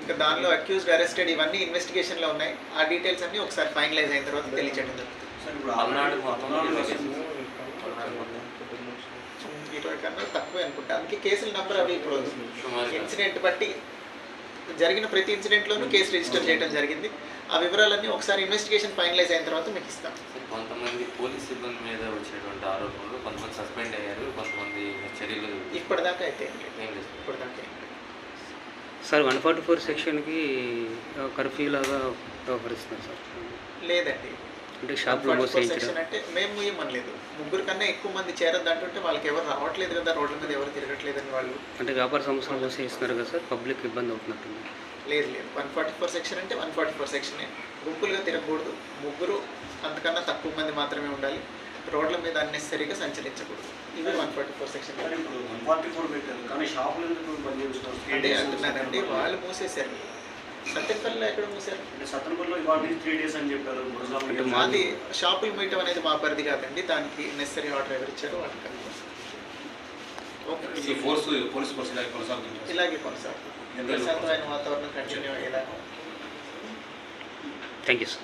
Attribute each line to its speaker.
Speaker 1: ఇంకా దానిలో accused, arrested ఇవన్నీ ఇన్వెస్టిగేషన్లో ఉన్నాయి. ఆ డీటెయిల్స్ అన్నీ ఒకసారి ఫైనలైజ్ అయిన తర్వాత తెలియచేయడం జరుగుతుంది. 20 కన్నా తక్కువే అనుకుంటా. అందుకే కేసుల నెంబర్ అవి ఇప్పుడు ఇన్సిడెంట్ బట్టి జరిగిన ప్రతి ఇన్సిడెంట్లోనూ కేసు రిజిస్టర్ చేయడం జరిగింది. ఆ వివరాలన్నీ ఒకసారి ఇన్వెస్టిగేషన్ ఫైనలైజ్ అయిన తర్వాత మీకు ఇస్తాం.
Speaker 2: కొంతమంది పోలీస్ సిబ్బంది మీద వచ్చేటువంటి ఆరోపణలు, కొంతమంది సస్పెండ్ అయ్యారు, కొంతమంది చర్యలు
Speaker 1: ఇప్పటిదాకా అయితే ఇప్పటిదాకా
Speaker 3: సార్ 144 సెక్షన్కి కర్ఫ్యూ లాగా వ్యవహరిస్తున్నారు సార్.
Speaker 1: లేదండి,
Speaker 3: అంటే షాప్లో
Speaker 1: సెక్షన్ అంటే మేము ఇవ్వమనలేదు. 3 కన్నా ఎక్కువ మంది చేరద్దంటుంటే వాళ్ళకి ఎవరు రావట్లేదు కదా, రోడ్ల మీద ఎవరు తిరగట్లేదని వాళ్ళు.
Speaker 3: అంటే వ్యాపార సంస్థలు మూసేస్తున్నారు కదా సార్, పబ్లిక్ ఇబ్బంది అవుతున్నట్టుంది.
Speaker 1: లేదు 144 సెక్షన్ అంటే 144 సెక్షనే. గుంపులుగా తిరగకూడదు, 3 అంతకన్నా తక్కువ మంది మాత్రమే ఉండాలి, రోడ్ల మీద అన్నెసరీగా సంచరించకూడదు. ఇవి 144 సెక్షన్. అంటే అంటున్నారండి, వాళ్ళు మూసేశారు. సత్యపల్లిలో ఎక్కడ మూసారు? అది షాపులు మీయటం అనేది మా పరిధి కాదండి, దానికి నెసరీ ఆర్డర్ ఎవరు ఇచ్చారో వాళ్ళకి ఇలాగే కొనసాగుతుంది. ప్రశాంతమైన వాతావరణం కంటిన్యూ అయ్యేలా.
Speaker 3: Thank you sir.